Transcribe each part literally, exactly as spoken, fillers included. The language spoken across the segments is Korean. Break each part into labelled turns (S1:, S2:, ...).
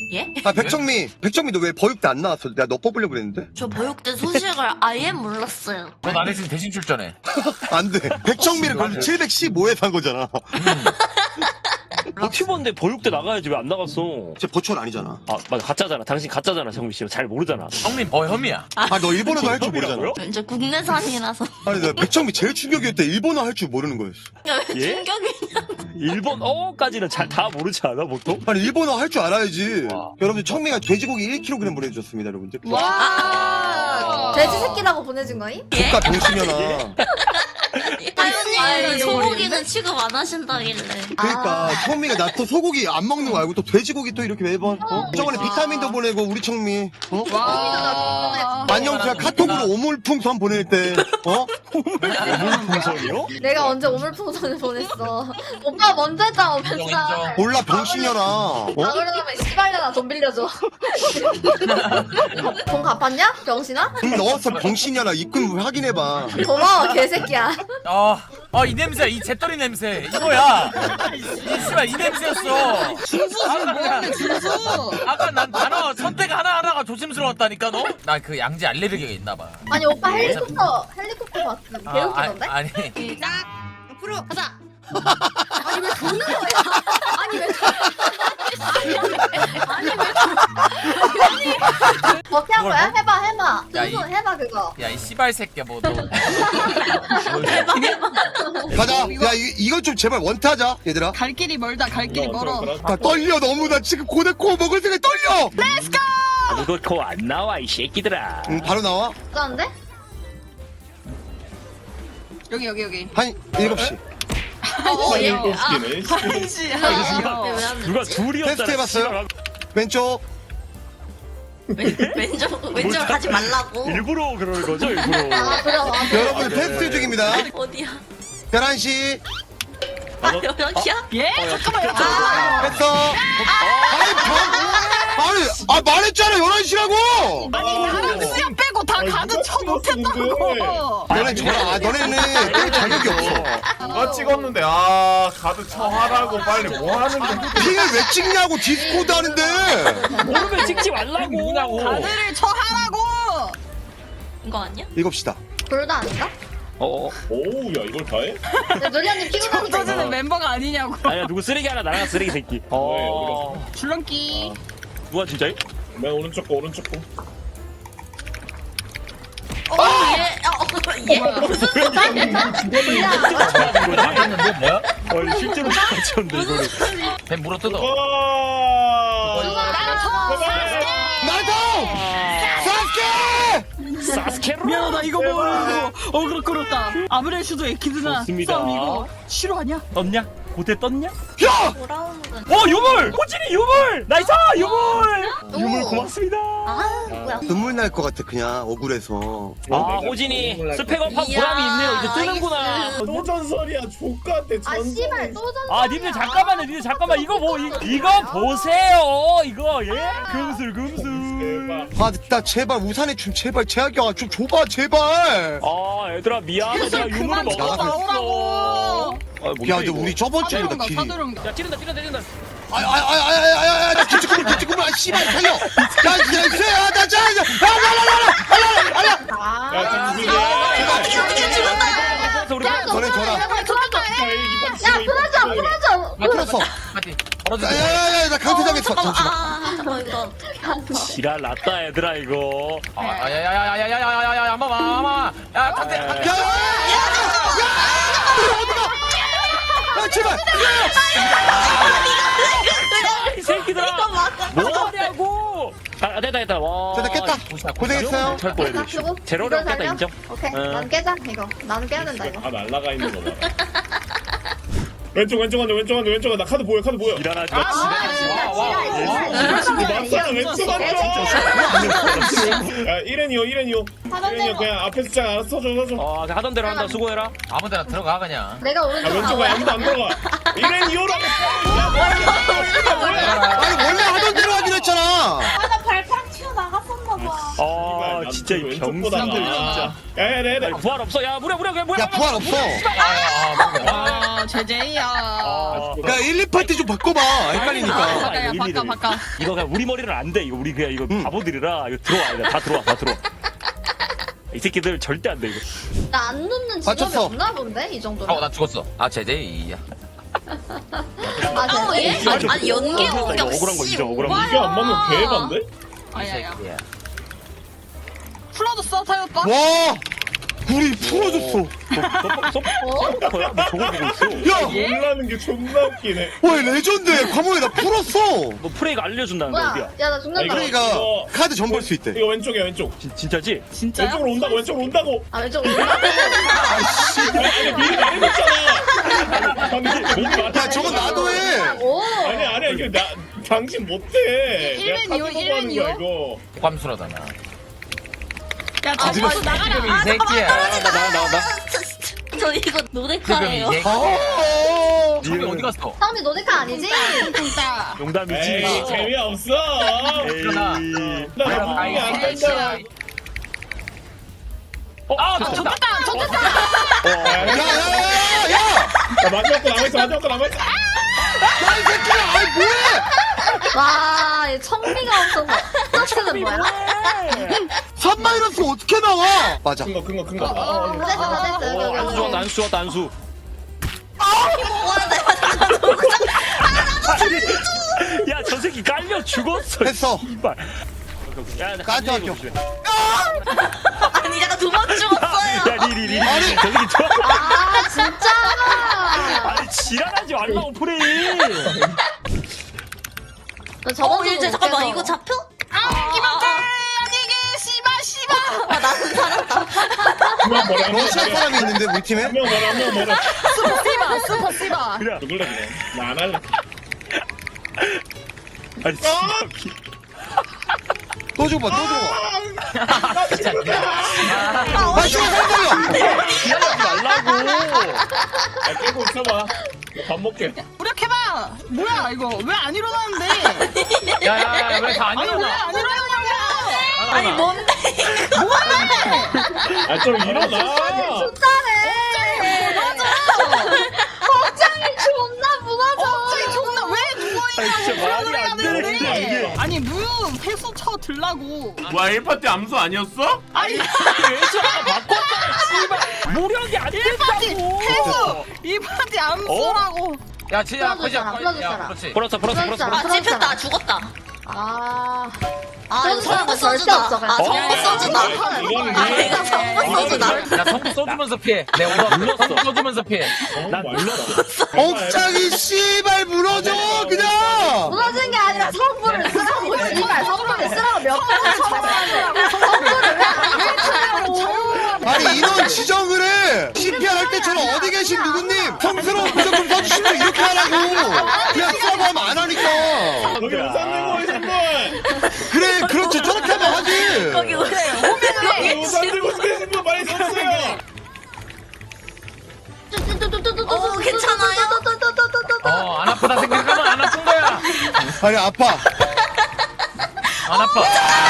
S1: 예?
S2: 아 백정미 백정미 너 왜 버육대 안 나왔어? 내가 너 뽑으려고 그랬는데.
S1: 저 보육대 소식을 아예 몰랐어요.
S3: 넌 안 했으면 대신 출전해.
S2: 안돼. 백정미를 그럼 칠백십오에 산 거잖아.
S4: 버티버인데 보육대 나가야지 왜 안 나갔어?
S2: 쟤 버추얼 아니잖아.
S4: 아 맞아 가짜잖아. 당신 가짜잖아 정민 씨. 잘 모르잖아.
S3: 형님 버혐이야.
S2: 아 너 일본어도 할 줄 모르잖아.
S1: 저 국내산이라서.
S2: 아니 나 백정미 제일 충격이었대. 일본어 할 줄 모르는 거였어.
S4: 예?
S1: 충격이냐?
S4: 일본어까지는 잘 다 모르지 않아 보통?
S2: 아니 일본어 할 줄 알아야지.
S4: 와.
S2: 여러분들 청미가 돼지고기 일 킬로그램 보내주셨습니다 여러분들.
S5: 와 돼지 새끼라고 보내준 거임?
S2: 국가 병신이잖아.
S1: 사연이 소고기는 취급 안 하신다길래.
S2: 그러니까 청미가 나 또 소고기 안 먹는 거 알고 또 돼지고기 또 이렇게 매번 어? 저번에 비타민도 보내고 우리 청미 어?
S5: 와
S2: 안녕 제가 카톡으로 오물풍선 보낼 때 어?
S4: 오물풍선이요?
S5: 내가 언제 오물풍선을 보냈어 오빠 먼저 했잖아
S3: 인정,
S5: 오펜사
S3: 인정.
S2: 몰라 병신이잖아 어?
S5: 아 그러면 씨발려나 돈 빌려줘 돈 갚았냐? 병신아?
S2: 돈 넣었어 병신이잖아 입금 확인해봐.
S5: 고마워 개새끼야
S3: 아, 아, 이 냄새, 이 재떨이 냄새, 이거야. 이 씨발 이 냄새였어.
S6: 준수 지금 뭐하는데 준수?
S3: 아까 난 단어 선택 하나 하나가 조심스러웠다니까 너. 나 그 양지 알레르기가 있나봐.
S5: 아니 오빠 헬리콥터 헬리콥터 봤어 개웃기던데?
S3: 아, 아니.
S6: 시작. 앞으로 가자.
S5: 아니 왜 도는 거야? 아니 왜 아니 왜 어떻게 한 거야? 해봐 해봐
S3: 야, 이-
S5: 준수 해봐 그거
S3: 야, 이 씨발 새끼야, 뭐 너.
S2: 가자. 야 이, 이건 좀 제발 원타자 얘들아.
S6: 갈 길이 멀다. 갈 길이 멀어.
S2: 나 떨려 너무 나 지금 고데코 먹을 생각에 떨려.
S4: 아무것도 안 나와 이 새끼들아.
S2: 응 바로 나와.
S5: 어쩌는데?
S6: 여기 여기 여기.
S2: 한 일곱 시.
S5: 어,
S1: 예.
S5: 아,
S6: 한시.
S4: 누가 둘이었잖아.
S2: 테스트 해봤어요? 왼쪽.
S1: 왼쪽 왼쪽 가지 말라고.
S4: 일부러 그러는 거죠 일부러.
S5: 아 그래 맞아
S2: 여러분들 테스트 중입니다.
S1: 어디야?
S2: 열한 시
S1: 아 여기야?
S6: 예? 잠깐만요. 아,
S2: 했어. 아니 방 아니 아 말했잖아 열한 시라고.
S6: 아니 나랑 수염 빼고 다 가드 쳐 못했다고.
S2: 너네 저라 아, 너네는 뺄 자격이 없어.
S7: 누가 찍었는데 아 가드 쳐하라고 빨리 뭐 하는 거야?
S2: 핑을 왜 찍냐고 디스코드 하는데.
S4: 모르면 찍지 말라고. 누구냐고.
S6: 가드를 쳐 하라고.
S1: 이거 아니야?
S2: 일곱 시다.
S5: 둘다 아닌가?
S4: 어.
S7: 오우 야 이걸 다 해?
S5: 노리언님 피곤하니까
S6: 터지는 멤버가 아니냐고.
S4: 아니야 누구 쓰레기 하나 나랑 쓰레기 새끼. 어.
S6: 줄넘기.
S4: 누가 진짜요?
S7: 맨 오른쪽 거 오른쪽 거
S1: 어 예. 어 예.
S3: 했는데 뭐야?
S4: 어 실제로 같이었는데 이거를.
S3: 배 물어 뜯어.
S7: 와
S2: 나도 사스케.
S4: 사스케로.
S6: 미안하다 이거 모르고 어그로 끌었다. 아브렐슈도 에키드나
S4: 좋습니다.
S6: 싸움 이거 싫어하냐?
S4: 떴냐? 고대 떴냐?
S2: 야
S1: 돌아오는 건.
S4: 어 유물! 호진이 유물! 나이스 유물! 유물 고맙습니다.
S1: 아 뭐야?
S2: 눈물 날 것 같아 그냥 억울해서.
S4: 아 호진이 스펙업한 보람이 있네요. 이제 뜨는구나.
S7: 또 전설이야 족같대
S5: 아
S7: 전설
S5: 씨발 또 전.
S4: 아 님들 잠깐만요. 님들 잠깐만 이거 뭐 이, 이거 보세요. 이거 예? 금술 금술.
S2: 아 나 제발 우산에 좀 제발 제약이야 좀 줘봐 제발.
S4: 아 얘들아 미안해. 내가 유물을
S6: 그만 쳐
S2: 나가서
S6: 나오라고.
S4: 아, 뭔데,
S2: 야 근데
S4: 이거?
S2: 우리 저번 주보다
S6: 사드론가
S2: 길이.
S6: 사드론가.
S4: 야 찌른다 찌른다 찌른다.
S2: 아아아아아아아 나 기특구물 기특구물 아 씨발 살려. 야 야야야나 자. 야야야야야야야야.
S7: 야 진수야
S4: 우리
S2: 너네 줘라.
S5: 야 풀어줘 풀어줘.
S2: 나 풀었어.
S3: 하지. 벌어져.
S2: 야야야야 나 강퇴당했어. 잠시만.
S1: 아 잠깐만 이거.
S4: 지랄 났다 얘들아 이거.
S3: 아, 야야야야야야야야야야, 한번 와, 한번 와. 야, 컨테.
S2: 야야야야. 어디가? 아 제발.
S4: 이 새끼들아. 뭐하냐고. 아 됐다 됐다. 와.
S2: 됐다 깼다. 고생했어요.
S4: 할 뻔했네.
S5: 그리고
S4: 제로를
S5: 이거
S4: 깼다
S5: 살려?
S4: 인정.
S5: 오케이
S4: 응.
S5: 난 깨자 이거 나는 깨야 된다 이거
S7: 다 날라가 있는 거 봐. 왼쪽 왼쪽 앉아 왼쪽 앉아 왼쪽 앉아 나 카드 보여 카드 보여.
S4: 지랄하지 마.
S7: 맞잖아 왼쪽 앉아. 야 일엔이요 일엔이요 일엔이요 그냥 앞에서 짝 알아서 서줘 서줘.
S4: 어 하던 대로 한다. 수고해라.
S3: 아무데나 들어가, 그냥.
S5: 내가
S7: 야
S5: 오른쪽
S7: 왼쪽 가 아무도 안 들어가. 일엔이요라고.
S2: 아니 원래 하던 대로 하기로 했잖아.
S1: 아나 발가락 튀어 나갔었나 봐.
S4: 아 진짜. 진짜 이
S7: 왼쪽
S4: 병신들
S7: 보다가.
S4: 진짜.
S7: 야야 내내
S4: 야, 부활 없어. 야 무려 무려 그냥 뭐야?
S2: 야 부활 없어.
S6: 아 제제이야.
S4: 아,
S2: 야 일, 이 파티 좀 바꿔봐. 헷갈리니까.
S6: 바꿔야 바꿔 바꿔.
S4: 이거 그냥 우리 머리는 안 돼. 이거 우리 그냥 이거
S2: 응.
S4: 바보들이라 이거 들어와. 이거 다 들어와. 다 들어와. 이 새끼들 절대 안 돼 이거.
S5: 나 안 눕는 직업이
S2: 맞췄어.
S5: 없나 본데 이 정도면.
S3: 어나 죽었어. 아 제제이야.
S5: 아
S1: 어,
S5: 제제.
S1: 예? 아니, 아니 연계
S4: 이거
S1: 공격
S4: 억울한 거
S1: 씨.
S4: 진짜 억울한 거.
S1: 와.
S7: 이게 안 맞는 개반데?
S6: 아야야. 풀어줬어 타요 오빠?
S2: 와 우리 풀어줬어.
S4: 뭐야? 뭐 저거 보고 있어.
S2: 야,
S7: 놀라는 게 존나 웃기네.
S2: 와 레전드. 과목에 나 풀었어.
S4: 너 프레이가 알려준다는 거
S5: 뭐야?
S4: 어디야?
S5: 야 나
S7: 아,
S5: 죽는다.
S7: 이거-
S2: 그러니까
S7: 이거-
S2: 카드 전 볼 수 있대.
S7: 이거 왼쪽이야 왼쪽.
S4: 진, 진짜지?
S6: 진짜야?
S7: 왼쪽으로 온다고 왼쪽으로 온다고.
S5: 아 왼쪽 올라.
S7: 아니 아니 미리 말해줬잖아. 방금 미리 말해.
S2: 야 저건 나도 해.
S5: 오.
S7: 아니 아니야 이거 나 당신 못해.
S6: 일-
S7: 내가
S6: 일맨이요,
S7: 카드 보고 하는 거야 이거.
S3: ቋ수라다 나.
S6: 야
S5: 아,
S6: 제주
S5: 맞아.
S6: 나가라.
S3: 이 새끼야.
S4: 나가 나가 나가.
S1: 저 이거
S3: 지금 이
S1: 노데카예요.
S3: 새끼.
S2: 아.
S3: 저기 어디 갔어?
S5: 사람이 노데카 아니지?
S6: 진짜.
S4: 농담이지.
S7: 에이 재미없어.
S4: 에이.
S7: 나
S3: 아이,
S7: 분명히 안
S3: 아이,
S7: 된다.
S3: 아이.
S4: 아,
S6: 좋겠다
S4: 좋다.
S6: 좋겠다.
S2: 야야야야.
S7: 야 마지막 거 남아있어 마지막 거 남아있어.
S2: 야이 새끼야. 아이 뭐해?
S5: 와, 얘 청미가 없어서. 터치는 뭐야?
S2: 삼 마이너스 어떻게 나와? 맞아.
S7: 큰 거 큰 거 큰 거.
S5: 어, 다 됐어, 다 됐어. 여기,
S4: 안수
S5: 여기,
S4: 왔다, 안수 왔다, 안수. 야, 저 새끼 깔려 죽었어.
S2: 됐어.
S4: 이발. 야, 나
S2: 까지
S4: 간지러워
S2: 할게요.
S4: 조심해.
S1: 아니 잠깐 두 번 죽었어요.
S4: 야, 리리, 리리.
S2: 아니.
S4: 저 새끼 좋아.
S5: 아, 진짜?
S4: 아니, 지랄하지 말라고, 프레이.
S5: 너 저번
S1: 어
S5: 주도
S1: 이제 잠깐만
S5: 못해서.
S1: 이거 잡혀?
S6: 아 이만큼 아니게 씨발 씨발.
S1: 아 나는 살았다.
S7: 한명 뭐라 한명
S2: 러시아
S7: 뭐라
S2: 사람이 있는데 우리 팀에?
S7: 한명 뭐라 한명 뭐라.
S6: 슈퍼 씨발 슈퍼 씨발.
S4: 그래.
S7: 누굴래 그냥. 나 안 할래.
S4: 아니, 진짜.
S2: 또 줘봐, 또 줘봐.
S7: 아,
S2: 아, 씨발, 살려!
S4: 지랄하지 말라고.
S7: 야 깨고 있어봐. 밥 먹게.
S6: 무력해봐. 뭐야 이거 왜 안 일어나는데?
S3: 야야야 왜 다 안
S6: 아니 왜
S3: 일어나?
S6: 안 일어나냐고.
S1: 아니 뭔데?
S7: 아 좀 일어나.
S5: 잘해. 걱정이 존나 무너져.
S6: 갑자기 존나 왜
S4: 아니, 진짜
S6: 누워있냐고.
S4: 말이 안 되는데, 이게.
S6: 아니 무 회수 쳐 들라고.
S8: 뭐야 일 파티 암수 아니었어?
S6: 아니
S4: 외주가 바꿨잖아, 씨발. 무력이 안 된다고.
S6: 회수 이 파티 안 쏘라고.
S3: 야 진짜
S5: 풀어줬잖아, 풀어줬잖아.
S3: 그렇지.
S4: 풀었어, 풀었어, 풀었어.
S5: 풀었잖아.
S1: 아 찝혔다 죽었다.
S5: 아.
S1: 아 이거
S5: 그런
S1: 선거
S5: 사람은 절대
S1: 써주다.
S5: 없어,
S1: 아
S5: 그냥.
S1: 선거 써주다.
S7: 이거는
S1: 아
S7: 왜?
S1: 이거 선거 써주다.
S3: 야 성부 써주면서 피해. 내 오더 눌렀어. 성부 써주면서 피해.
S4: 난 눌렀어.
S2: 억장이 씨발 무너져, 그냥!
S5: 무너진 게 아니라 성분을 쓰라고, 씨발. 성분을 쓰라고 몇 번을 쳐봤는데. 성분을 왜안 쓰냐고.
S2: 아니, 인원 지정을 해! 씨피알 할 때처럼 어디 계신 누구님! 성스러운 부적 좀 써주시면 이렇게 하라고! 그냥 써고 하면 안 하니까!
S7: 거기 우산 들고 계신 분.
S2: 그래, 그렇지, 저렇게 하면 하지!
S1: 거기 오세요.
S7: 거기 우산 들고 계신 분 많이 섰어요.
S1: 어, 괜찮아요?
S3: 어안 아프다 생각하면 안 아픈 거야.
S2: 아니, 아파.
S3: 안 아파.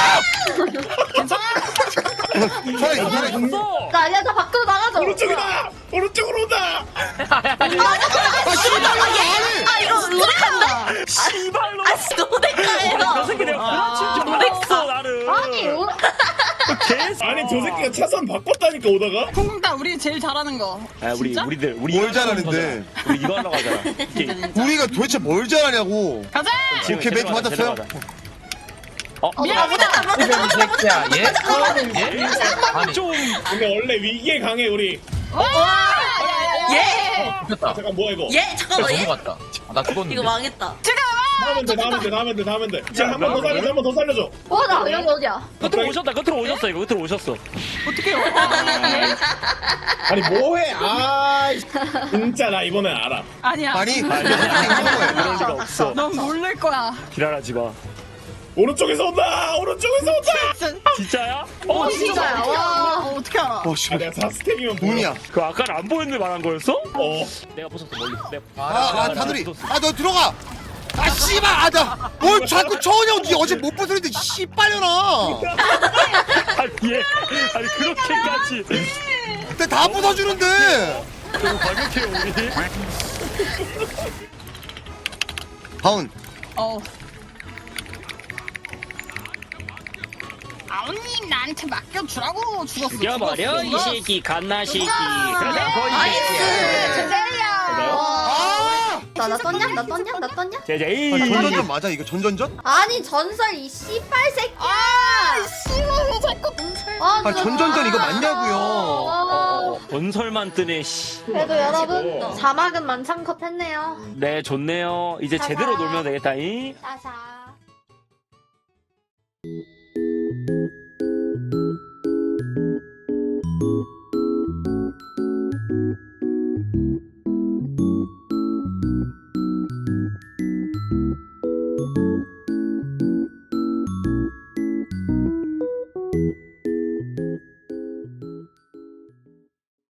S2: 살아있어, 살아있어.
S4: 없어.
S5: 나 아니야, 나 밖으로 나가자.
S7: 오른쪽이다. 오른쪽으로 온다.
S2: 아, 씨발, 나 아니!
S1: 아 이거 노데카인데?
S4: 씨발로.
S1: 아 노데카예요.
S4: 저 새끼 내가 부러칠 줄 몰랐어, 나를.
S5: 아니, 오-
S4: 개새.
S7: 아니 저 새끼가 차선 바꿨다니까 오다가.
S6: 쿵쿵따 우리 제일 잘하는 거.
S4: 아, 우리
S6: 진짜?
S4: 우리들 우리
S2: 뭘
S4: 이거 하려고
S2: 잘하는데?
S4: 하잖아. 우리 이거 하려고 하잖아. 게임.
S2: 우리가 도대체 뭘 잘하냐고!
S6: 가자.
S4: 지금
S2: 오케이, 멘트
S4: 데려가자,
S2: 맞았어요?
S4: 데려가자. 어,
S5: 어,
S1: 아 못했다 못했다
S3: 이
S1: 못했다
S3: 새끼야
S1: 못했다.
S3: 얘? 얘? 아니
S4: 좀
S7: 근데 원래 위기에 강해 우리.
S1: 예?
S3: 됐다.
S7: 잠깐 뭐야 이거.
S1: 예? 잠깐만 예?
S3: 넘어갔다. 아, 나 죽었는데.
S1: 이거 망했다.
S7: 나면 돼 나면 돼 나면 돼 나면 돼. 자한 번 더 살려줘 한 번 더 살려줘.
S5: 와, 나 여기 어디야?
S4: 끝으로 오셨다. 끝으로 오셨어. 이거 끝으로 오셨어.
S6: 어떻게요?
S7: 아니 뭐해? 아 진짜 나 이번엔 알아.
S6: 아니야.
S2: 아니,
S4: 아니,
S2: 아니,
S4: 그럴 리가 없어.
S6: 넌 모를 거야.
S4: 지랄하지 마.
S7: 오른쪽에서 온다. 오른쪽에서 온다.
S4: 진짜야?
S6: 어
S4: 어,
S6: 진짜야. 와 어, 어떻게 알아?
S2: 어, 씨.
S7: 아 내가 사 스택이면
S2: 문이야.
S4: 그 아까는 안 보였는데 말한 거였어?
S7: 어.
S4: 내가 벗었어 멀리. 내가
S2: 아, 아, 다누리. 아, 너 들어가! 아, 씨발! 아, 나! 뭘 자꾸 초원형 니 어제 못 부수는데, 씨발려나!
S4: 아니 얘 아니 그렇게까지
S2: 근데 다 부숴주는데.
S4: 너무 과격해요 우리.
S2: 다운.
S6: 어. 아버님 나한테 맡겨주라고 죽었어.
S4: 죽여버려 이 새끼 갓나 새끼. 그래 거의
S2: 아!
S5: 나, 나 떴냐? 나 떴냐? 나 떴냐?
S4: 제제이.
S2: 아, 전전전 맞아 이거 전전전?
S5: 아니 전설 이 씨발 새끼야. 아 씨발 자꾸 아,
S2: 아 전전전 이거 맞냐고요.
S4: 어, 본설만 뜨네 씨.
S5: 그래도 여러분 자막은 만창컷 했네요.
S4: 네 좋네요. 이제 제대로 놀면 되겠다 이.
S5: 자자.